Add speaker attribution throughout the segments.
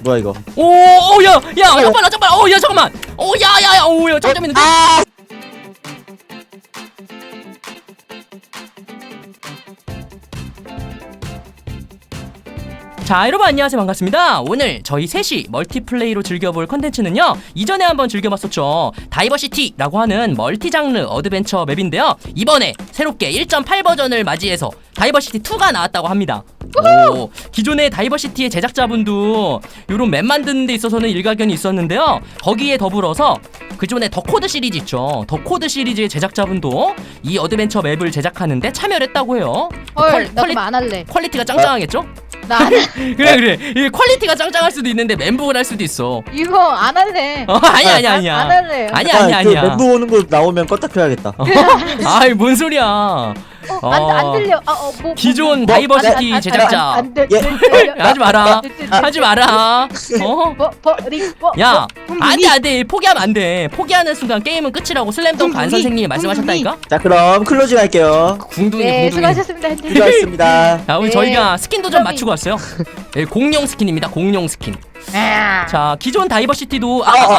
Speaker 1: 뭐야 이거?
Speaker 2: 야, 잠깐만, 야, 잠깐만. 야, 잠깐만 있는데. 자, 여러분 안녕하세요. 반갑습니다. 오늘 저희 셋이 멀티플레이로 즐겨볼 컨텐츠는요, 이전에 한번 즐겨봤었죠. 다이버시티라고 하는 멀티장르 어드벤처 맵인데요, 이번에 새롭게 1.8 버전을 맞이해서 다이버시티2가 나왔다고 합니다. 기존의 다이버시티의 제작자분도 요런 맵 만드는 데 있어서는 일가견이 있었는데요, 거기에 더불어서 그전에 더코드 시리즈 있죠. 더코드 시리즈의 제작자분도 이 어드벤처 맵을 제작하는데 참여를 했다고 해요.
Speaker 3: 헐, 나 그럼 안 할래.
Speaker 2: 퀄리티가 짱짱하겠죠?
Speaker 3: 나 안 할래.
Speaker 2: 그래 이게 퀄리티가 짱짱할 수도 있는데 멘붕을 할 수도 있어.
Speaker 3: 이거 안 할래.
Speaker 2: 아니야
Speaker 3: 안 할래.
Speaker 2: 아니야
Speaker 1: 그 멘붕 오는 거 나오면 껐다 켜야겠다.
Speaker 2: 아이 뭔 소리야.
Speaker 3: 안 들려.
Speaker 2: 기존 다이버시티 제작자
Speaker 3: 안 돼.
Speaker 2: 하지 마라. 야, 안돼 포기하면 안돼. 포기하는 순간 게임은 끝이라고 슬램덩크 안 선생님이 말씀하셨다니까.
Speaker 1: 자 그럼 클로징 할게요.
Speaker 2: 궁둥이.
Speaker 3: 수고하셨습니다.
Speaker 1: 수고하셨습니다.
Speaker 2: 자, 오늘 저희가 스킨도 좀 맞추고 왔어요. 네, 공룡 스킨입니다. 공룡 스킨. 자, 기존 다이버시티도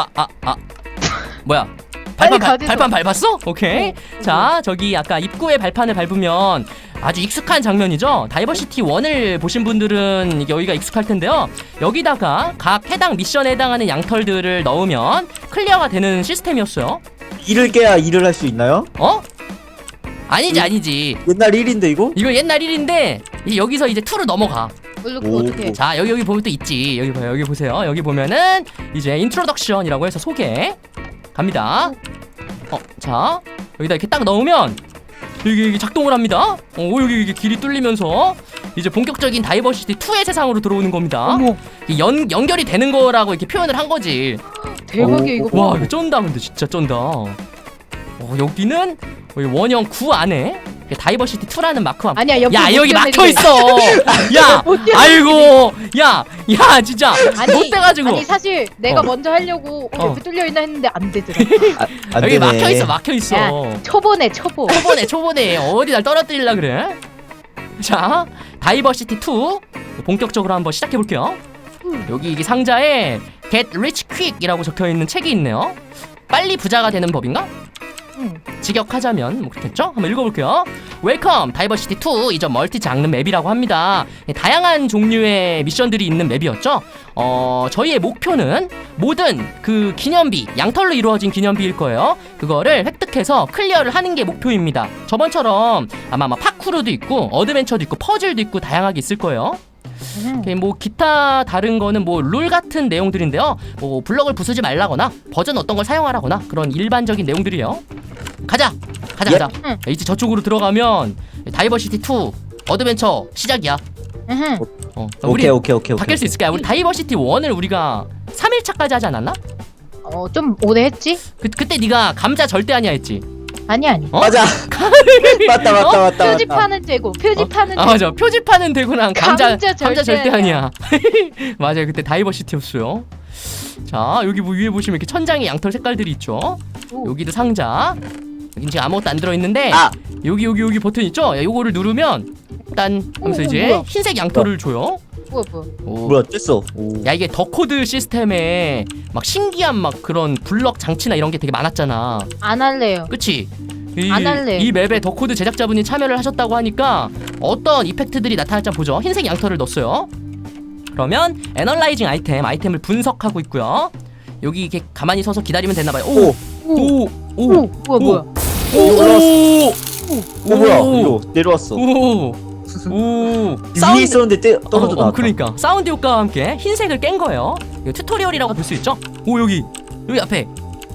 Speaker 2: 뭐야? 발판 밟았어? 오케이. 자, 저기 아까 입구에 발판을 밟으면 아주 익숙한 장면이죠. 다이버시티 1을 보신 분들은 이게 여기가 익숙할 텐데요, 여기다가 각 해당 미션에 해당하는 양털들을 넣으면 클리어가 되는 시스템이었어요.
Speaker 1: 일을 깨야 일을 할 수 있나요?
Speaker 2: 아니지.
Speaker 1: 옛날 일인데 이거?
Speaker 2: 이거 옛날 일인데 여기서 이제 2로 넘어가.
Speaker 3: 어떻게?
Speaker 2: 자, 여기 보면 또 있지. 여기 봐요. 여기 보세요. 여기 보면은 이제 인트로덕션이라고 해서 소개 갑니다. 자, 여기다 이렇게 딱 넣으면 여기 작동을 합니다. 여기 길이 뚫리면서 이제 본격적인 다이버시티 2의 세상으로 들어오는 겁니다. 연결이 되는 거라고 이렇게 표현을 한 거지.
Speaker 3: 대박이야 이거.
Speaker 2: 와, 이거 쩐다. 근데 진짜 쩐다. 여기는 원형 9 안에 다이버시티 2라는 마크가.
Speaker 3: 아니야,
Speaker 2: 여기 막혀 있어. 야, 아이고, 야, 진짜 못 돼가지고.
Speaker 3: 아니 사실 내가 먼저 하려고 옆에 뚫려 있나 했는데 안 되더라.
Speaker 1: 안
Speaker 2: 여기
Speaker 1: 되네.
Speaker 2: 막혀 있어.
Speaker 3: 야, 초보네.
Speaker 2: 초보네. 어디 날 떨어뜨리려 그래? 자, 다이버시티 2 본격적으로 한번 시작해 볼게요. 여기 이게 상자에 Get Rich Quick이라고 적혀 있는 책이 있네요. 빨리 부자가 되는 법인가? 직역하자면 뭐 그렇겠죠? 한번 읽어볼게요. 웰컴 다이버시티 2 이전 멀티 장르 맵이라고 합니다. 다양한 종류의 미션들이 있는 맵이었죠. 저희의 목표는 모든 그 기념비, 양털로 이루어진 기념비일 거예요. 그거를 획득해서 클리어를 하는 게 목표입니다. 저번처럼 아마 파쿠르도 있고 어드벤처도 있고 퍼즐도 있고 다양하게 있을 거예요. 뭐 기타 다른 거는 뭐 룰 같은 내용들인데요, 뭐 블럭을 부수지 말라거나 버전 어떤 걸 사용하라거나 그런 일반적인 내용들이에요. 가자. 이제 저쪽으로 들어가면 다이버시티 2 어드벤처 시작이야.
Speaker 1: 오케이.
Speaker 2: 바뀔 수 있을까요? 우리 다이버시티 1을 우리가 3일차까지 하지 않았나?
Speaker 3: 좀 오래 했지?
Speaker 2: 그때 네가 감자 절대 아니야 했지?
Speaker 3: 아니.
Speaker 1: 맞아. 맞다.
Speaker 3: 표지판은 되고
Speaker 2: 맞아. 표지판은 되고랑 감자 절대 아니야. 맞아요. 그때 다이버시티였어요. 자, 여기 뭐 위에 보시면 이렇게 천장에 양털 색깔들이 있죠. 여기도 상자. 여긴 지금 아무것도 안 들어있는데 여기 버튼 있죠? 요거를 누르면 딴 하면서 이제
Speaker 3: 뭐야?
Speaker 2: 흰색 양털을 줘요.
Speaker 1: 뭐야 뗐어.
Speaker 2: 야, 이게 더코드 시스템에 막 신기한 막 그런 블럭 장치나 이런 게 되게 많았잖아.
Speaker 3: 안 할래요.
Speaker 2: 그치?
Speaker 3: 안 할래.
Speaker 2: 이 맵에 더코드 제작자분이 참여를 하셨다고 하니까 어떤 이펙트들이 나타날지 한번 보죠. 흰색 양털을 넣었어요. 그러면 애널라이징 아이템을 분석하고 있고요. 여기 이렇게 가만히 서서 기다리면 되나봐요.
Speaker 3: 뭐야?
Speaker 1: 뭐야 이거 내려왔어. 위에 있었는데 떨어져 나왔다.
Speaker 2: 그러니까 사운드 효과와 함께 흰색을 깬 거예요. 이거 튜토리얼이라고 볼 수 있죠. 여기 앞에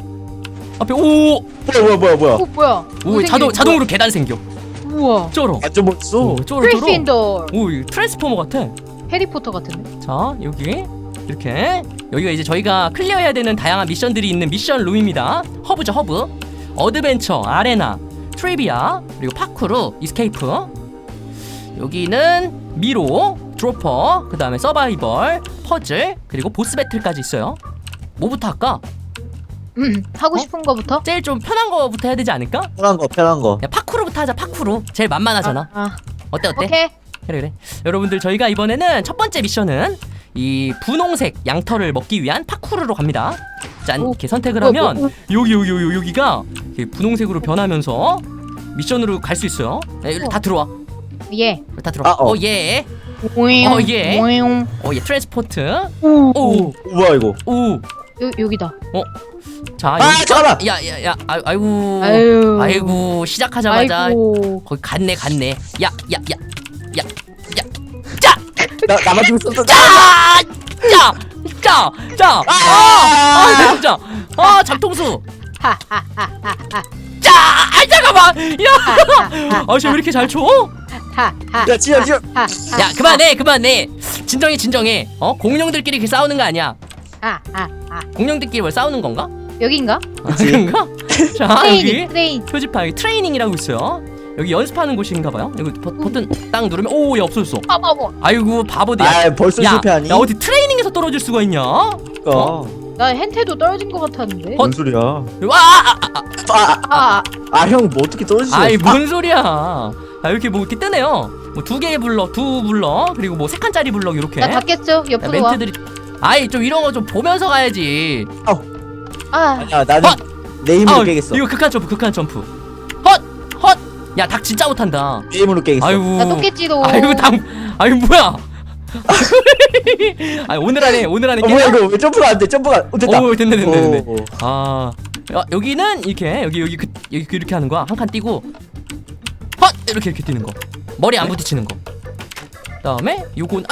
Speaker 3: 뭐야?
Speaker 2: 자동으로 계단 생겨.
Speaker 3: 우와.
Speaker 2: 쩔어.
Speaker 1: 완전 멋있어.
Speaker 3: 그리핀돌.
Speaker 2: 트랜스포머 같아.
Speaker 3: 해리포터 같은데.
Speaker 2: 자, 여기가 이제 저희가 클리어해야 되는 다양한 미션들이 있는 미션 룸입니다. 허브죠, 허브. 어드벤처, 아레나, 트리비아, 그리고 파쿠르, 이스케이프. 여기는 미로, 드로퍼, 그 다음에 서바이벌, 퍼즐, 그리고 보스 배틀까지 있어요. 뭐부터 할까?
Speaker 3: 하고 싶은 거부터?
Speaker 2: 제일 좀 편한 거부터 해야 되지 않을까?
Speaker 1: 편한 거.
Speaker 2: 야, 파쿠르부터 하자. 파쿠르 제일 만만하잖아. 어때?
Speaker 3: 오케이.
Speaker 2: 그래. 여러분들, 저희가 이번에는 첫 번째 미션은 이 분홍색 양털을 먹기 위한 파쿠르로 갑니다. 짠,
Speaker 3: 오.
Speaker 2: 이렇게 선택을 하면 여기가 이렇게 분홍색으로 변하면서 미션으로 갈 수 있어요. 네, 다 들어와.
Speaker 3: 예.
Speaker 2: 다 들어와. 예. 예. 예, 트랜스포트. 오.
Speaker 1: 뭐야 이거?
Speaker 2: 오.
Speaker 3: 여기다.
Speaker 2: 자,
Speaker 1: 아 잠깐만.
Speaker 2: 야, 아이고.
Speaker 3: 아유.
Speaker 2: 아이고, 시작하자마자
Speaker 3: 아이고.
Speaker 2: 거기 갔네. 야. 짜!
Speaker 1: 나만 좀 썼어.
Speaker 2: 짜! 진짜. 잠통수. 짜! 잠깐만. 야. 쟤 왜 이렇게 잘 쳐?
Speaker 1: 야 지야.
Speaker 2: 야, 그만해. 진정해. 공룡들끼리 이렇게 싸우는 거 아니야. 공룡들끼리 뭘 싸우는 건가?
Speaker 3: 여긴가?
Speaker 2: 그런가? 자, 여기
Speaker 3: 트레인.
Speaker 2: 표지판 여기 트레이닝이라고 있어요. 여기 연습하는 곳인가봐요. 여기 버튼 딱 누르면 오, 얘 없어졌어.
Speaker 3: 바보.
Speaker 2: 아이고, 바보들.
Speaker 1: 아 벌써 실패하니?
Speaker 2: 야, 어디 트레이닝에서 떨어질 수가 있냐?
Speaker 3: 나 hen태도 떨어진 것 같았는데.
Speaker 1: 뭔 소리야?
Speaker 2: 와!
Speaker 3: 아.
Speaker 1: 형 뭐 어떻게 떨어지지?
Speaker 2: 아이, 뭔 소리야? 이렇게 뭐 이렇게 뜨네요. 뭐 2개의 블럭, 2 블럭, 그리고 뭐 3칸짜리 블럭 이렇게.
Speaker 3: 나 닫겠어. 옆으로 와.
Speaker 2: 멘트들이. 아이, 좀 이런 거 좀 보면서 가야지.
Speaker 3: 아.
Speaker 1: 아니야 나는 내 힘으로 깨겠어.
Speaker 2: 이거 극한 점프. 헛. 야, 닭 진짜 못한다.
Speaker 1: 내 힘으로 깨겠어.
Speaker 2: 아이고.
Speaker 3: 나 또 깼지도.
Speaker 2: 아이고, 아이고, 뭐야? 오늘 안에
Speaker 1: 뭐야
Speaker 2: 깨나?
Speaker 1: 이거 왜 점프가 안 돼? 점프가 됐다.
Speaker 2: 오, 됐네.
Speaker 1: 오.
Speaker 2: 여기는 이렇게 여기 이렇게 하는 거야. 한 칸 띄고 헛 이렇게 뛰는 거. 머리 안 부딪히는 거. 그다음에 요건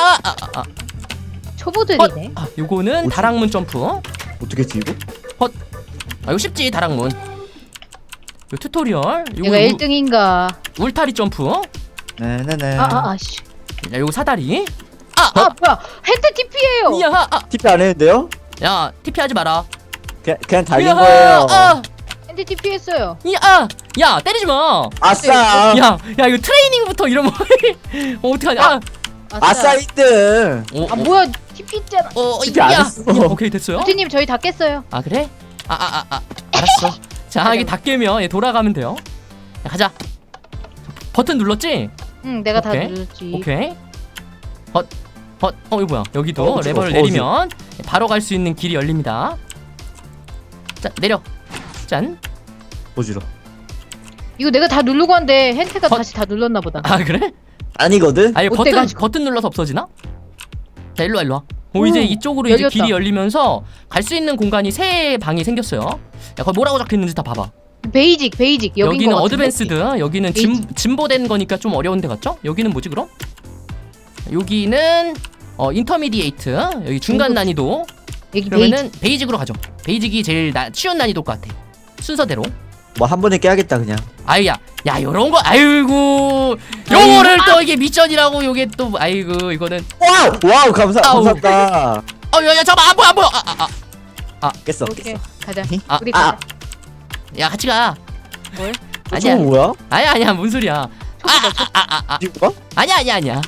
Speaker 3: 초보들이네.
Speaker 2: 요거는
Speaker 1: 뭐지?
Speaker 2: 다락문 점프.
Speaker 1: 어떻게 했지 이거?
Speaker 2: 이거 쉽지, 다락문. 요 튜토리얼.
Speaker 3: 내가 1등인가?
Speaker 2: 울타리 점프.
Speaker 1: 네네네.
Speaker 3: 씨.
Speaker 2: 야, 요거 사다리.
Speaker 3: 뭐야? hen태 TP예요.
Speaker 2: 이야.
Speaker 1: TP 안 했는데요?
Speaker 2: 야, TP 하지 마라.
Speaker 1: 그냥 달린
Speaker 2: 이야,
Speaker 1: 거예요.
Speaker 3: hen태 TP 했어요.
Speaker 2: 야, 때리지 마.
Speaker 1: 아싸.
Speaker 2: 야, 이거 트레이닝부터 이러면 어떡하냐?
Speaker 1: 아싸 1등.
Speaker 3: 뭐야? TP 있잖아.
Speaker 1: TP 안 했어.
Speaker 2: 오케이, 됐어요.
Speaker 3: 부티님 저희 다 깼어요.
Speaker 2: 아, 그래? 알았어. 자, 이게 다 깨면 얘 돌아가면 돼요. 야, 가자. 버튼 눌렀지?
Speaker 3: 응, 내가 다
Speaker 2: 오케이.
Speaker 3: 눌렀지.
Speaker 2: 오케이. 이거 뭐야? 여기도
Speaker 1: 어지러워,
Speaker 2: 레버를 내리면 바로 갈 수 있는 길이 열립니다. 자, 내려. 짠.
Speaker 1: 보지러.
Speaker 3: 이거 내가 다 누르고 한데 hen태가
Speaker 2: 헛.
Speaker 3: 다시 다 눌렀나 보다.
Speaker 2: 아, 그래?
Speaker 1: 아니거든.
Speaker 2: 아니,
Speaker 3: 어때가지고.
Speaker 2: 버튼 눌러서 없어지나? 자, 일로 와. 이제 이쪽으로 이제
Speaker 3: 열렸다.
Speaker 2: 길이 열리면서 갈 수 있는 공간이 3방이 생겼어요. 야, 거기 뭐라고 적혀 있는지 다 봐봐.
Speaker 3: 베이직 여긴
Speaker 2: 여기는
Speaker 3: 거 같은데?
Speaker 2: 어드밴스드, 여기는 진보된 거니까 좀 어려운 데 같죠? 여기는 뭐지 그럼? 여기는 인터미디에이트, 여기 중간 난이도.
Speaker 3: 여기 베이직.
Speaker 2: 그러면은 베이직으로 가죠. 베이직이 제일 쉬운 난이도 것 같아. 순서대로.
Speaker 1: 뭐 한 번에 깨야겠다 그냥.
Speaker 2: 야, 요런 거, 아이고, 요거를 또 이게 미션이라고, 요게 또, 아이고, 이거는.
Speaker 1: 와우 감사합니다.
Speaker 2: 야, 잠깐만, 안 보여.
Speaker 1: 깼어.
Speaker 3: 오케이. 가자.
Speaker 2: 아,
Speaker 3: 우리 가자.
Speaker 2: 야, 같이 가.
Speaker 3: 뭘?
Speaker 2: 아니야.
Speaker 1: 저거 뭐야?
Speaker 2: 아니야, 뭔 소리야.
Speaker 1: 어디가?
Speaker 2: 아니야.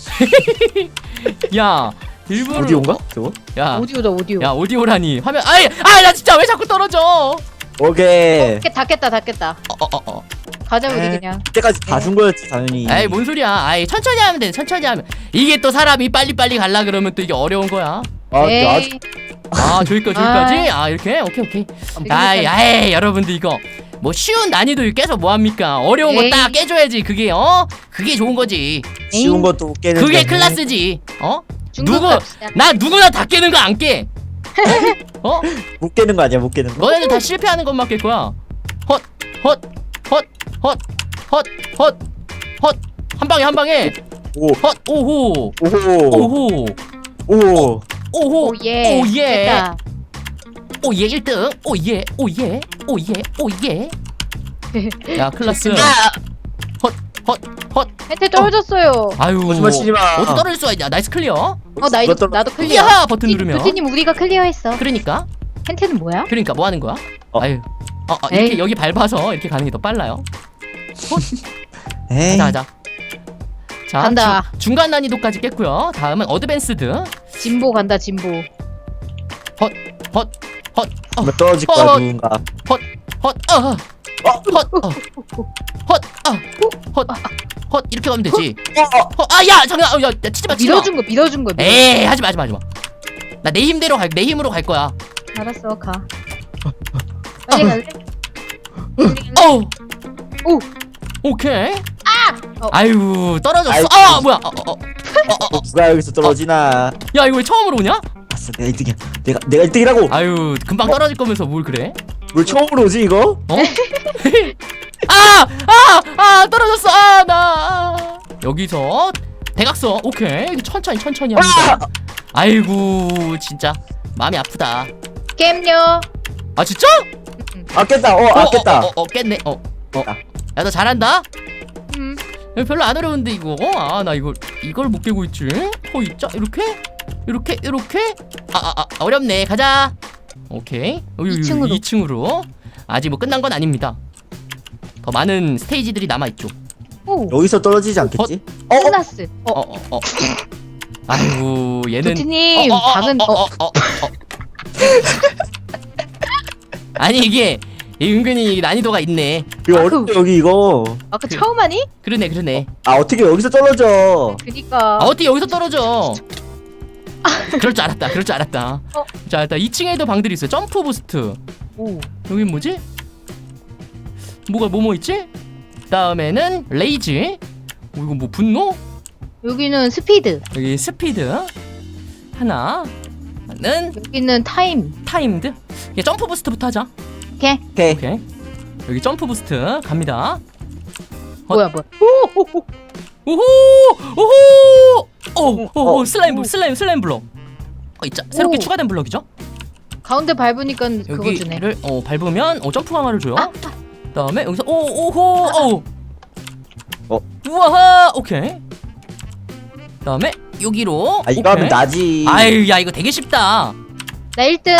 Speaker 2: 야, 일부러.
Speaker 1: 오디오인가? 저거?
Speaker 2: 야,
Speaker 3: 오디오.
Speaker 2: 야, 오디오라니. 화면, 나 진짜 왜 자꾸 떨어져?
Speaker 1: 오케이.
Speaker 3: 다 깼다. 가자 우리
Speaker 1: 에이.
Speaker 3: 그냥.
Speaker 1: 그때까지 다 준 거였지 당연히.
Speaker 2: 에이, 뭔 소리야. 천천히 하면 돼, 천천히 하면. 이게 또 사람이 빨리빨리 갈라 그러면 또 이게 어려운 거야.
Speaker 3: 에이.
Speaker 2: 저기까지? 이렇게? 오케이. 여러분들 이거. 뭐 쉬운 난이도 깨서 뭐합니까? 어려운 거
Speaker 3: 에이.
Speaker 2: 딱 깨줘야지. 그게 쉬운 거지.
Speaker 1: 쉬운 것도 깨는.
Speaker 2: 그게 클라스지.
Speaker 3: 중국
Speaker 2: 누구
Speaker 3: 갑시다.
Speaker 2: 나 누구나 다 깨는 거 안 깨.
Speaker 1: 못 깨는 거 아니야 못 깨는 거?
Speaker 2: 너네들 다 실패하는 것만 깰 거야. 헛. 한 방에.
Speaker 1: 오.
Speaker 2: 오호.
Speaker 1: 오.
Speaker 3: 오예.
Speaker 2: 오예.
Speaker 3: 됐다.
Speaker 2: 오예 1등. 오예. 야, 클라스. 헛.
Speaker 3: hen태 떨어졌어요.
Speaker 2: 아유.
Speaker 1: 거짓말 치지 마.
Speaker 2: 어디 떨어질 수가 있냐? 나이스 클리어.
Speaker 3: 나도 클리어.
Speaker 2: 이야, 버튼 누르면.
Speaker 3: 부티님 우리가 클리어했어.
Speaker 2: 그러니까
Speaker 3: hen태는 뭐야?
Speaker 2: 뭐 하는 거야?
Speaker 1: 에이.
Speaker 2: 이렇게 여기 밟아서 이렇게 가는 게 더 빨라요.
Speaker 1: 에이.
Speaker 2: 가자. 자,
Speaker 3: 간다.
Speaker 2: 중간 난이도까지 깼고요. 다음은 어드밴스드.
Speaker 3: 진보 간다 진보.
Speaker 1: 뭐 떨어질 거야 누군가.
Speaker 2: 헛 이렇게 가면 되지. 아야 잠깐. 야 치지 마.
Speaker 3: 밀어준 거.
Speaker 2: 에이 하지 마. 나 내 힘대로 내 힘으로 갈 거야.
Speaker 3: 알았어, 가. 빨리 갈래? 오.
Speaker 2: 오케이.
Speaker 3: 어.
Speaker 2: 아유 떨어졌어.
Speaker 1: 아이고.
Speaker 2: 뭐야?
Speaker 1: 누가 여기서 떨어지나?
Speaker 2: 야 이거 왜 처음으로 오냐?
Speaker 1: 아싸, 내가 1등이야. 내가 1등이라고.
Speaker 2: 아유 금방 떨어질 거면서 뭘 그래?
Speaker 1: 뭘 처음으로 오지 이거?
Speaker 2: 어? 떨어졌어. 여기서 대각선. 오케이. 천천히 합니다. 아이고 진짜 마음이 아프다.
Speaker 3: 겜요.
Speaker 2: 아 진짜?
Speaker 1: 아 깼다. 아 깼다.
Speaker 2: 깼네. 야 너 잘한다.
Speaker 3: 음.
Speaker 2: 야, 별로 안 어려운데 이거. 나 이걸 못 깨고 있지. 있자 이렇게. 어렵네. 가자. 오케이. 2층으로. 아직 뭐 끝난 건 아닙니다. 더 많은 스테이지들이 남아 있죠.
Speaker 3: 오.
Speaker 1: 여기서 떨어지지 않겠지?
Speaker 3: 끝났어.
Speaker 2: 아이고 얘는
Speaker 3: 도티님 방은
Speaker 2: 아니 이게 은근히 난이도가 있네.
Speaker 1: 이거 어렵다 여기 이거.
Speaker 3: 아까 처음 하니?
Speaker 2: 그러네.
Speaker 1: 아 어떻게 여기서 떨어져?
Speaker 3: 그니까.
Speaker 2: 어떻게 여기서 떨어져? 그럴 줄 알았다. 자 일단 2층에도 방들이 있어요. 점프 부스트.
Speaker 3: 오.
Speaker 2: 여긴 뭐지? 뭐가 있지? 다음에는 레이지. 이거 뭐 분노?
Speaker 3: 여기는 스피드.
Speaker 2: 여기 스피드. 하나는
Speaker 3: 여기는 타임.
Speaker 2: 타임드. 이게 점프 부스트부터 하자.
Speaker 3: 오케이.
Speaker 2: 오케이. 여기 점프 부스트 갑니다.
Speaker 3: 뭐야.
Speaker 2: 오호. 슬라임 블럭. 있자. 새롭게
Speaker 3: 오.
Speaker 2: 추가된 블럭이죠.
Speaker 3: 가운데 밟으니까 그거 주네.
Speaker 2: 여기를 밟으면 점프 강화를 줘요. 그다음에 여기서 오호. 우와. 오케이. 그다음에 여기로.
Speaker 1: 이거 하면 나지.
Speaker 2: 아유 야 이거 되게 쉽다.
Speaker 3: 나 1등.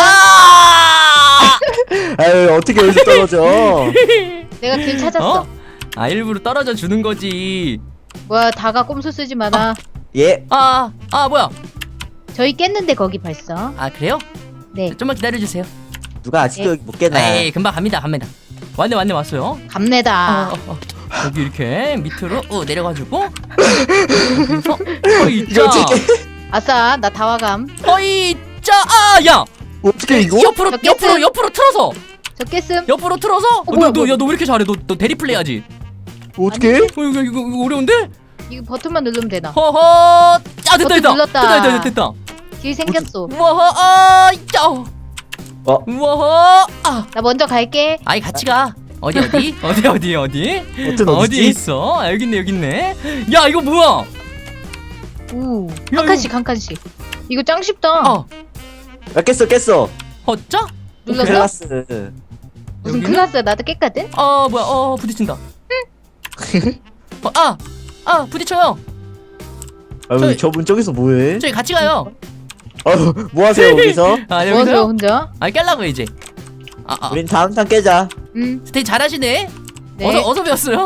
Speaker 1: 아유 어떻게 여기서 떨어져?
Speaker 3: 내가 길 찾았어.
Speaker 2: 일부러 떨어져 주는 거지.
Speaker 3: 뭐야, 다가 꼼수 쓰지 마라.
Speaker 1: 예.
Speaker 2: 뭐야?
Speaker 3: 저희 깼는데 거기 벌써.
Speaker 2: 그래요?
Speaker 3: 네.
Speaker 2: 좀만 기다려 주세요.
Speaker 1: 누가 아직도 여기 못 깨나?
Speaker 2: 에이 금방 갑니다. 왔네 왔어요.
Speaker 3: 갑내다.
Speaker 2: 여기 이렇게 밑으로 내려가지고 여기서
Speaker 1: 이거 어떻게?
Speaker 3: 아싸, 나 다와감.
Speaker 2: 야
Speaker 1: 어떻게 이거?
Speaker 2: 옆으로 틀어서
Speaker 3: 저 깼음.
Speaker 2: 옆으로 틀어서
Speaker 3: 뭐야.
Speaker 2: 너 왜 이렇게 잘해? 너 대리 플레이 하지?
Speaker 1: 어떻게?
Speaker 2: 이거 어려운데?
Speaker 3: 이거 버튼만 누르면 되나?
Speaker 2: 허허.
Speaker 3: 버튼 눌렀다.
Speaker 2: 됐다.
Speaker 3: 길 생겼어.
Speaker 2: 우와. 우와.
Speaker 3: 나 먼저 갈게.
Speaker 2: 같이 가. 어디?
Speaker 1: 버튼
Speaker 2: 어디
Speaker 1: 어디지?
Speaker 2: 있어? 여기 있네. 야 이거 뭐야?
Speaker 3: 우.
Speaker 2: 야,
Speaker 3: 한 칸씩. 이거 짱 쉽다.
Speaker 1: 야 깼어.
Speaker 2: 헛자?
Speaker 3: 눌렀어?
Speaker 1: 클라스.
Speaker 3: 무슨
Speaker 2: 여기는?
Speaker 3: 클라스? 나도 깼거든.
Speaker 2: 뭐야? 부딪힌다. 부딪혀요.
Speaker 1: 저분 저기서 뭐해?
Speaker 2: 저희 같이 가요.
Speaker 1: 뭐 하세요 여기서?
Speaker 3: 뭐하세요
Speaker 2: 여기서요?
Speaker 3: 혼자?
Speaker 2: 깰라고 이제.
Speaker 1: 우린 다음 탄 깨자.
Speaker 2: 스테이 잘하시네.
Speaker 3: 네.
Speaker 2: 어서 배웠어요.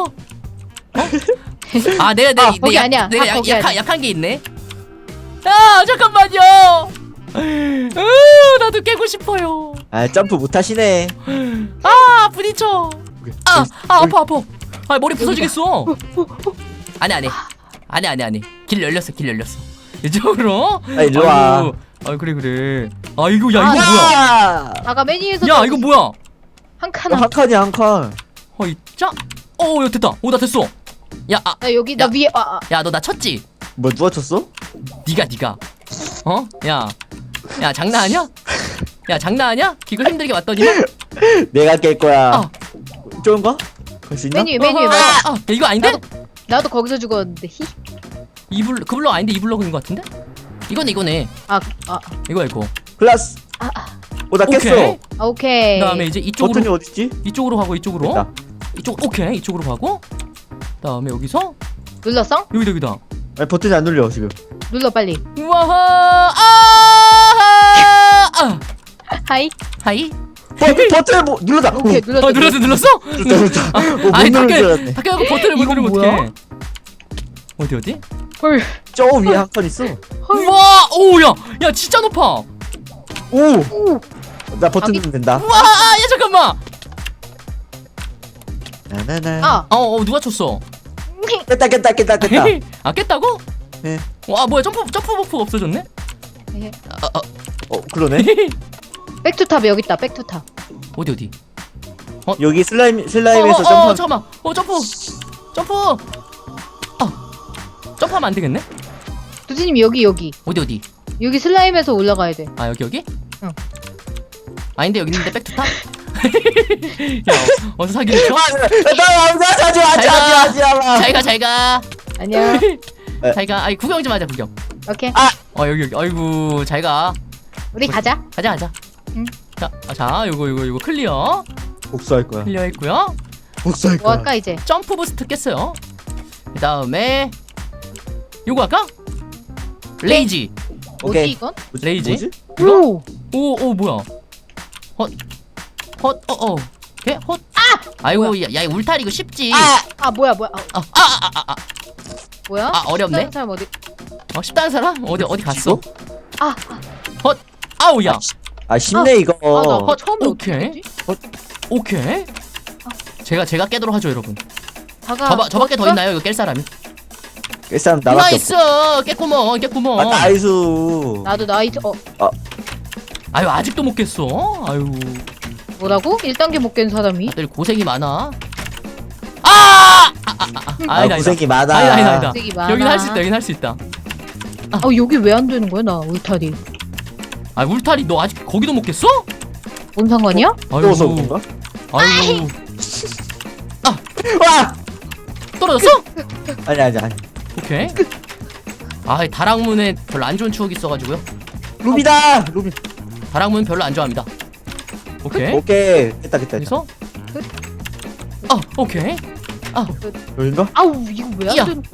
Speaker 2: 내가
Speaker 3: 거기 아니야.
Speaker 2: 내가
Speaker 3: 거기 아니야.
Speaker 2: 약한 게 있네. 잠깐만요. 나도 깨고 싶어요.
Speaker 1: 점프 못 하시네.
Speaker 2: 부딪혀. 아파. 머리 부서지겠어. 아니. 길 열렸어. 이쪽으로.
Speaker 1: 일로 와.
Speaker 2: 그래. 이거 뭐야?
Speaker 3: 다가 메뉴에서.
Speaker 2: 야 이거 뭐야?
Speaker 3: 한 칸.
Speaker 1: 한 칸이야 한 칸.
Speaker 2: 자. 야 됐다. 나 됐어. 야
Speaker 3: 나 여기 나
Speaker 2: 야.
Speaker 3: 위에.
Speaker 2: 야 너 나 쳤지?
Speaker 1: 뭐 누가 쳤어?
Speaker 2: 니가 야 장난하냐? 기걸 힘들게 왔더니만.
Speaker 1: 내가 깰 거야. 좋은가? 갈 수 있나?
Speaker 3: 메뉴 맞아.
Speaker 2: 야, 이거 아닌데?
Speaker 3: 나도 거기서 죽었는데. 히.
Speaker 2: 그 블럭 아닌데 이 블럭인 것 같은데? 이거네. 이거.
Speaker 1: 클라스. 나 깼어.
Speaker 2: 오케이.
Speaker 3: 오케이.
Speaker 2: 그다음에 이제
Speaker 1: 버튼이
Speaker 2: 이쪽으로
Speaker 1: 어딨지?
Speaker 2: 가고 이쪽으로.
Speaker 1: 됐다.
Speaker 2: 오케이. 이쪽으로 가고. 그다음에 여기서
Speaker 3: 눌렀어?
Speaker 2: 여기다.
Speaker 1: 버튼이 안 눌려 지금.
Speaker 3: 눌러 빨리.
Speaker 2: 우와.
Speaker 3: 하이.
Speaker 2: 하이.
Speaker 1: 버튼 뭐 눌렀다.
Speaker 3: 오케이 눌렀어.
Speaker 2: 눌렀어?
Speaker 1: 눌렀다.
Speaker 2: 아니
Speaker 1: 못 누른 줄 알았네.
Speaker 2: 밖에 가고 버튼을 못
Speaker 1: 이건
Speaker 2: 누르면
Speaker 1: 뭐야?
Speaker 2: 어떡해? 어디?
Speaker 3: 헐.
Speaker 1: 저 위에 한 칸 있어.
Speaker 2: 우와. 야 진짜 높아.
Speaker 1: 오. 나 버튼 누르면 된다.
Speaker 2: 우와. 야 잠깐만.
Speaker 1: 나나나.
Speaker 2: 누가 쳤어?
Speaker 1: 깼다.
Speaker 2: 아 깼다고?
Speaker 1: 네.
Speaker 2: 와 뭐야 점프 버프가 없어졌네?
Speaker 1: 그러네.
Speaker 3: 백투탑 여기 있다. 백투탑.
Speaker 2: 어디?
Speaker 1: 여기 슬라임에서 점프.
Speaker 2: 잠깐만. 점프. 점프하면 안 되겠네?
Speaker 3: 두지님 여기.
Speaker 2: 어디?
Speaker 3: 여기 슬라임에서 올라가야 돼.
Speaker 2: 아 여기?
Speaker 3: 응.
Speaker 2: 아닌데 여기 있는데 백투탑? 야 어서 사기를 쳐? 잘가.
Speaker 3: 안녕.
Speaker 2: 잘가. 아이 구경 좀 하자 구경.
Speaker 3: 오케이.
Speaker 2: 여기. 아이고 잘가.
Speaker 3: 우리 가자.
Speaker 2: 가자.
Speaker 3: 응.
Speaker 2: 자 요거 클리어.
Speaker 1: 복수할 거야.
Speaker 2: 클리어했고요.
Speaker 1: 복수할
Speaker 3: 뭐
Speaker 1: 거야.
Speaker 3: 할까 이제?
Speaker 2: 점프 부스트 깼어요. 그 다음에 요거 할까? 레이지.
Speaker 1: 오케이.
Speaker 3: 뭐지 이건?
Speaker 2: 레이지.
Speaker 1: 뭐지?
Speaker 2: 이거?
Speaker 3: 오.
Speaker 2: 오 뭐야? 오케이 헛. 아이고 야 울타리 이거 쉽지.
Speaker 3: 뭐야? 뭐야?
Speaker 2: 어렵네.
Speaker 3: 다른 사람 어디?
Speaker 2: 쉽다는 사람? 어디 갔어?
Speaker 1: 이거?
Speaker 2: 아우야.
Speaker 1: 쉽네 이거.
Speaker 3: 나 처음에
Speaker 2: 오케이.
Speaker 3: 어떻게 되지?
Speaker 2: 오케이. 제가 깨도록 하죠 여러분. 저밖에 더
Speaker 3: 볼까?
Speaker 2: 있나요 이거 깰 사람이?
Speaker 1: 깰 사람 나밖에
Speaker 2: 나이스.
Speaker 1: 없어.
Speaker 2: 깼구먼.
Speaker 1: 나이스.
Speaker 3: 나도 나이트.
Speaker 2: 아유 아직도 못 깼어. 아유
Speaker 3: 뭐라고? 1단계 못 깬 사람이?
Speaker 2: 다들 고생이 많아.
Speaker 1: 고생이 많아.
Speaker 2: 아니다.
Speaker 3: 고생이 많아.
Speaker 2: 여긴 할 수 있다.
Speaker 3: 여기 왜 안 되는 거야 나 울타리?
Speaker 2: 울타리 너 아직 거기도 못 깼어?
Speaker 3: 뭔 상관이야?
Speaker 1: 떠서 그런가?
Speaker 2: 아이고
Speaker 1: 와!
Speaker 2: 떨어졌어?
Speaker 1: 아니.
Speaker 2: 오케이. 다락문에 별로 안 좋은 추억이 있어가지고요.
Speaker 1: 루비다. 루비.
Speaker 2: 다락문 별로 안 좋아합니다. 오케이.
Speaker 1: 오케이. 깼다.
Speaker 2: 그래서 오케이.
Speaker 1: 여긴가?
Speaker 3: 아우 이거 왜
Speaker 2: 야.
Speaker 3: 안 되는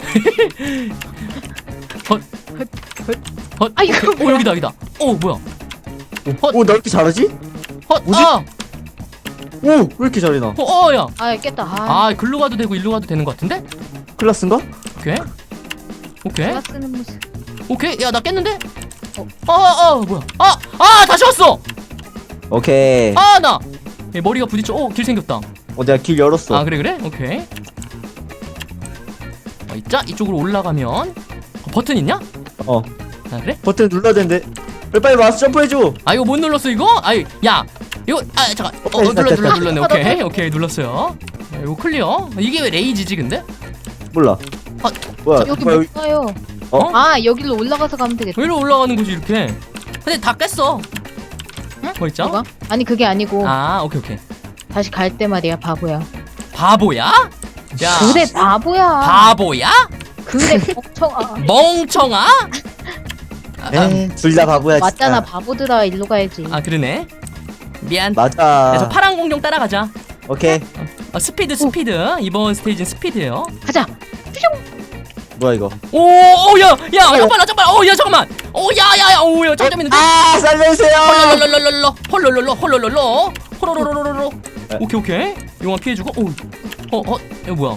Speaker 3: 거야? 이거
Speaker 2: 여기다. 뭐야?
Speaker 1: 오, 나 이렇게 잘하지? 뭐지? 오, 왜 이렇게 잘해 나?
Speaker 2: 야.
Speaker 3: 깼다.
Speaker 2: 글로 가도 되고 일로 가도 되는 것 같은데?
Speaker 1: 클라스인가?
Speaker 2: 오케이.
Speaker 3: 내가 쓰는 모습.
Speaker 2: 오케이. 야, 나 깼는데? 뭐야? 다시 왔어.
Speaker 1: 오케이.
Speaker 2: 나. 머리가 부딪혀. 길 생겼다.
Speaker 1: 내가 길 열었어.
Speaker 2: 그래? 오케이. 있자. 이쪽으로 올라가면 버튼 있냐? 그래?
Speaker 1: 버튼 눌러야 되는데. 빨리 와서 점프해줘.
Speaker 2: 이거 못 눌렀어 이거? 야. 이거 잠깐. 눌렀네. 오케이. 눌렀어요. 이거 클리어. 이게 왜 레이지지 근데?
Speaker 1: 몰라. 뭐야?
Speaker 3: 여기
Speaker 1: 뭐야,
Speaker 3: 못 가요. 여기로 올라가서 가면 되겠다.
Speaker 2: 여기로 올라가는 거지 이렇게. 근데 다 깼어. 뭐 있죠?
Speaker 3: 뭐가? 아니 그게 아니고
Speaker 2: 오케이.
Speaker 3: 다시 갈 때 말이야 바보야.
Speaker 2: 바보야? 야.
Speaker 3: 그래 바보야.
Speaker 2: 바보야?
Speaker 3: 그래
Speaker 2: 멍청아?
Speaker 1: 둘 다 바보야.
Speaker 3: 맞잖아
Speaker 1: 진짜.
Speaker 3: 바보들아 일로 가야지.
Speaker 2: 그러네. 미안.
Speaker 1: 맞아.
Speaker 2: 그래서 파란 공룡 따라가자.
Speaker 1: 오케이.
Speaker 2: 스피드. 이번 스테이지는 스피드예요.
Speaker 3: 가자.
Speaker 1: 뭐야 이거?
Speaker 2: 야, 잠깐만. 야, 잠깐만. 야, 점점 있는데.
Speaker 1: 살려주세요.
Speaker 2: 홀로로로로. 오케이. 용암 피해주고. 이거 뭐야?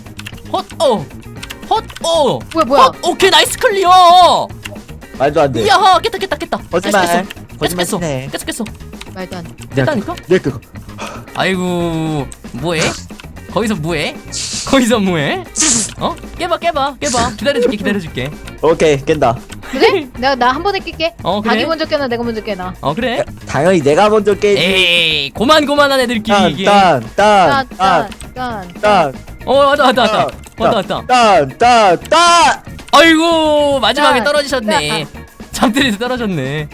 Speaker 3: 뭐야?
Speaker 2: 오케이, 나이스 클리어.
Speaker 1: 말도 안 돼.
Speaker 2: 야, 깼다.
Speaker 1: 거짓말.
Speaker 2: 깼어.
Speaker 1: 깼어.
Speaker 3: 말도 안 돼.
Speaker 2: 깼다니까?
Speaker 1: 내 그거.
Speaker 2: 아이고, 뭐해? 거기서 뭐해? 깨봐. 기다려줄게.
Speaker 1: 오케이 깬다.
Speaker 3: 그래? 나 한 번에 낄게.
Speaker 2: 그래?
Speaker 3: 자기 먼저 깨나 내가 먼저 깨나.
Speaker 2: 그래?
Speaker 1: 당연히 내가 먼저 깨지.
Speaker 2: 에이, 고만한 애들끼리 이게.
Speaker 1: 딴.
Speaker 2: 왔다. 아이고, 마지막에
Speaker 3: 딴.
Speaker 2: 떨어지셨네. 잠들이서 떨어졌네.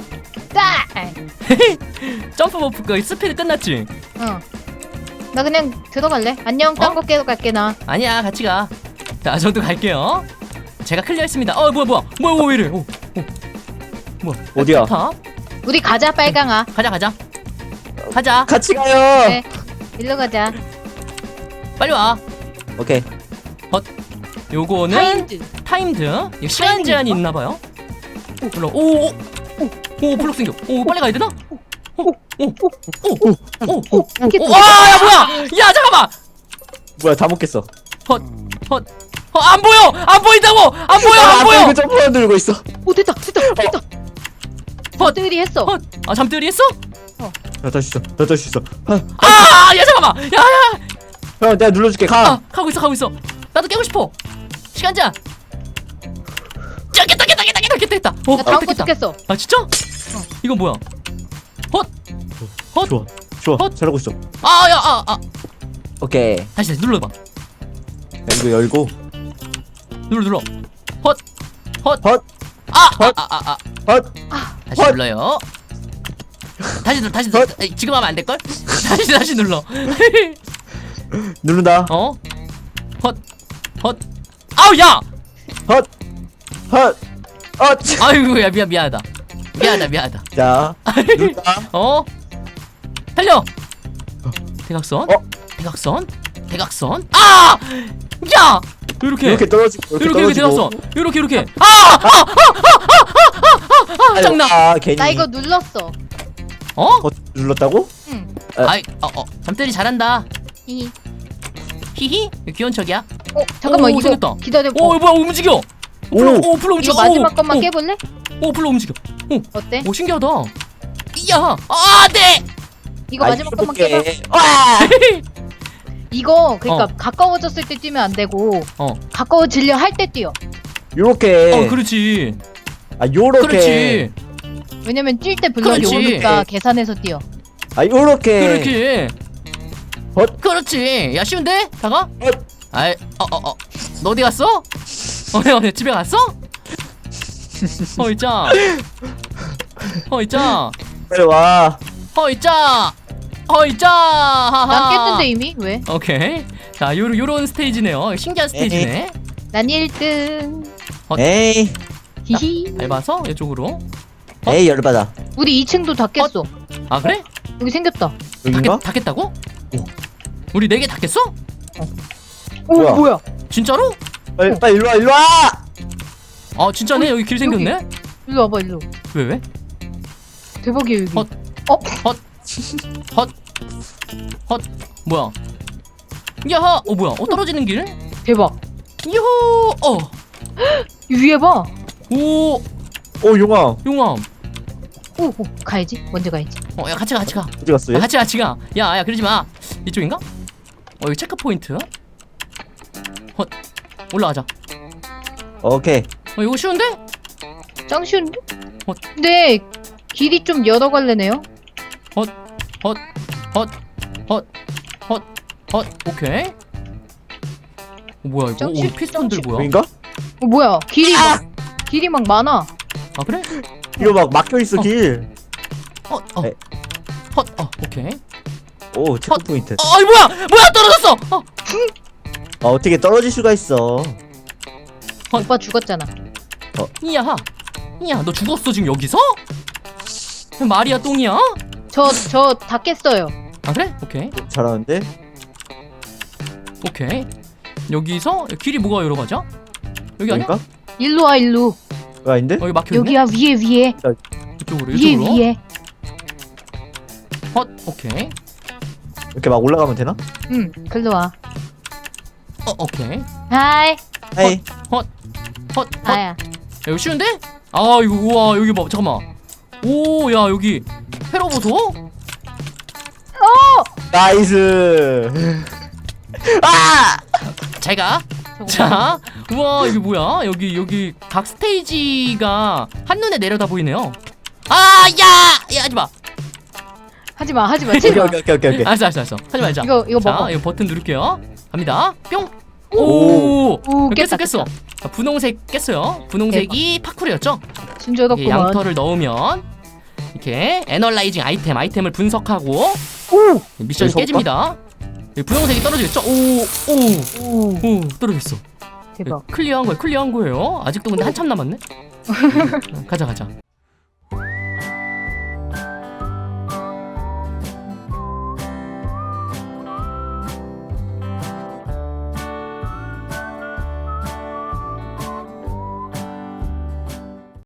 Speaker 2: 점프 버프가 스피드 끝났지?
Speaker 3: 나 그냥 들어갈래. 안녕. 딴 거 깨러 갈게 나.
Speaker 2: 아니야, 같이 가. 자, 저도 갈게요. 제가 클리어했습니다. 뭐야, 왜 이래? 뭐야?
Speaker 1: 어디야?
Speaker 3: 우리 가자 빨강아.
Speaker 2: 가자.
Speaker 1: 같이 가요.
Speaker 3: 네. 일로 가자.
Speaker 2: 빨리 와.
Speaker 1: 오케이.
Speaker 2: 요거는 타임드. 이거 시간 제한이 있나 봐요. 오, 블록 생겨. 빨리 가야 되나? 야, 뭐야? 야, 잠깐만.
Speaker 1: 뭐야 다 먹겠어.
Speaker 2: 안 보여. 안 보인다고. 안 보여.
Speaker 1: 이거 점프만 들고 있어.
Speaker 3: 됐다. 버들이 했어.
Speaker 2: 잠들이 했어?
Speaker 1: 나 다시 있어.
Speaker 2: 야, 잠깐만. 야.
Speaker 1: 형 내가 눌러줄게. 가.
Speaker 2: 가고 있어. 나도 깨고 싶어. 시간자. 야, 깼다.
Speaker 3: 나 다음 거 죽겠어.
Speaker 2: 아 진짜? 이건 뭐야? 헛.
Speaker 1: 좋아
Speaker 2: 헛.
Speaker 1: 잘하고 있어. 오케이.
Speaker 2: 다시 눌러봐.
Speaker 1: 야, 이거 열고.
Speaker 2: 눌러. 헛.
Speaker 1: 헛.
Speaker 2: 다시
Speaker 1: 헛.
Speaker 2: 눌러요. 다시
Speaker 1: 헛.
Speaker 2: 에이, 지금 하면 안 될걸? 다시 눌러.
Speaker 1: 누른다.
Speaker 2: 어? 헛. 아우 야.
Speaker 1: 헛.
Speaker 2: 아이고 야 미안하다.
Speaker 1: 자, 누른다.
Speaker 2: 어? 달려. 대각선.
Speaker 1: 어?
Speaker 2: 대각선. 아! 야!
Speaker 1: 이렇게 떨어지고
Speaker 2: 이렇게 대각선. 이렇게. 짱나.
Speaker 1: 괜히.
Speaker 3: 나 이거 눌렀어.
Speaker 2: 어?
Speaker 1: 눌렀다고?
Speaker 3: 응.
Speaker 2: 아이, 잠들이 잘한다.
Speaker 3: 이.
Speaker 2: 히히. 귀여운 척이야.
Speaker 3: 잠깐만
Speaker 2: 오,
Speaker 3: 이거
Speaker 2: 생겼다.
Speaker 3: 기다려.
Speaker 2: 오, 뭐야 움직여. 불로 움직여.
Speaker 3: 이거 마지막 것만
Speaker 2: 오,
Speaker 3: 깨볼래?
Speaker 2: 오, 불로 움직여.
Speaker 3: 어때?
Speaker 2: 오, 신기하다. 이야. 네.
Speaker 3: 이거 마지막 것만
Speaker 1: 깨봐.
Speaker 3: 깨봐. 이거 그러니까 가까워졌을 때 뛰면 안 되고 가까워지려 할 때 뛰어.
Speaker 1: 요렇게.
Speaker 2: 그렇지.
Speaker 1: 요렇게.
Speaker 2: 그렇지.
Speaker 3: 왜냐면 뛸 때 블럭이
Speaker 2: 그렇지.
Speaker 3: 오니까 계산해서 뛰어.
Speaker 1: 요렇게.
Speaker 2: 그렇지.
Speaker 1: 헛.
Speaker 2: 그렇지. 야, 쉬운데? 다가?
Speaker 1: 헛.
Speaker 2: 아이, 너 어디 갔어? 집에 갔어? 있자.
Speaker 1: 빨리 와.
Speaker 2: 하하.
Speaker 3: 난 깼는데 이미? 왜?
Speaker 2: 오케이. 자, 요런 스테이지네요. 신기한 스테이지네.
Speaker 3: 난 1등.
Speaker 1: 에이.
Speaker 3: 히히.
Speaker 2: 밟아서 이쪽으로.
Speaker 1: 에이 열받아.
Speaker 3: 우리 2층도 다 깼어.
Speaker 2: 아, 그래?
Speaker 3: 여기 생겼다.
Speaker 1: 여긴가?
Speaker 2: 다 깼다고?
Speaker 1: 오.
Speaker 2: 우리 4개 다 깼어?
Speaker 1: 뭐야?
Speaker 3: 뭐야?
Speaker 2: 진짜로?
Speaker 1: 빨리 일로 와.
Speaker 2: 아, 진짜네. 여기 길 생겼네.
Speaker 3: 일로 와봐 일로.
Speaker 2: 왜?
Speaker 3: 대박이야 여기.
Speaker 2: 헛. 뭐야? 야하. 뭐야? 떨어지는 길?
Speaker 3: 대박.
Speaker 2: 유후.
Speaker 3: 위에 봐.
Speaker 2: 오.
Speaker 1: 용암.
Speaker 2: 용암.
Speaker 3: 오, 가야지. 먼저 가야지.
Speaker 2: 야, 같이 가.
Speaker 1: 어디 갔어? 얘?
Speaker 2: 같이 가. 야, 그러지 마. 이쪽인가? 여기 체크 포인트. 올라가자.
Speaker 1: 오케이.
Speaker 2: 이거 쉬운데?
Speaker 3: 짱 쉬운데?
Speaker 2: 헛.
Speaker 3: 근데 길이 좀 여러 갈래네요.
Speaker 2: 오케이. 뭐야 이거?
Speaker 3: 짱 쉬-
Speaker 2: 피스톤들
Speaker 3: 짱 쉬-
Speaker 2: 뭐야?
Speaker 1: 여긴가?
Speaker 3: 뭐야? 길이 막 많아.
Speaker 2: 아, 그래?
Speaker 1: 이거 막 막혀 있어 길. 네.
Speaker 2: 오케이.
Speaker 1: 오 체크 포인트.
Speaker 2: 이 뭐야 떨어졌어.
Speaker 1: 어떻게 떨어질 수가 있어?
Speaker 3: 오빠 죽었잖아.
Speaker 2: 이야, 너 죽었어 지금 여기서? 말이야 똥이야?
Speaker 3: 저 다 깼어요.
Speaker 2: 아, 그래? 오케이.
Speaker 1: 잘하는데?
Speaker 2: 여기서 길이 뭐가 여러 가지야? 여기 아니야?
Speaker 1: 여긴가?
Speaker 3: 일로 와 일로.
Speaker 1: 왜 아닌데?
Speaker 2: 여기 막혀 있네.
Speaker 3: 여기야 위에.
Speaker 2: 이쪽으로.
Speaker 3: 위에.
Speaker 2: 오케이.
Speaker 1: 이렇게 막 올라가면 되나?
Speaker 3: 응, 글로 와.
Speaker 2: 오케이.
Speaker 3: 하이.
Speaker 1: 에이.
Speaker 3: 아야.
Speaker 2: 이거 쉬운데? 이거 우와 여기 봐 잠깐만. 오, 야 여기 회로 보소?
Speaker 1: 나이스.
Speaker 2: 제가 자, 우와 이게 뭐야? 여기 각 스테이지가 한눈에 내려다 보이네요. 야 하지마.
Speaker 3: 하지마 제발.
Speaker 1: 오케이.
Speaker 2: 알았어. 하지 말자.
Speaker 3: 이거
Speaker 2: 자,
Speaker 3: 먹어.
Speaker 2: 이거 버튼 누를게요. 갑니다. 뿅.
Speaker 3: 오, 깼다.
Speaker 2: 깼어. 자, 분홍색 깼어요. 분홍색이 파쿠르였죠? 이게
Speaker 3: 순조롭구만.
Speaker 2: 양털을 넣으면 이렇게 애널라이징 아이템을 분석하고 미션이
Speaker 1: 여기서
Speaker 2: 깨집니다. 여기 분홍색이 떨어지겠죠? 오, 떨어졌어.
Speaker 3: 대박.
Speaker 2: 클리어한 거예요. 아직도 근데 한참 남았네. 가자.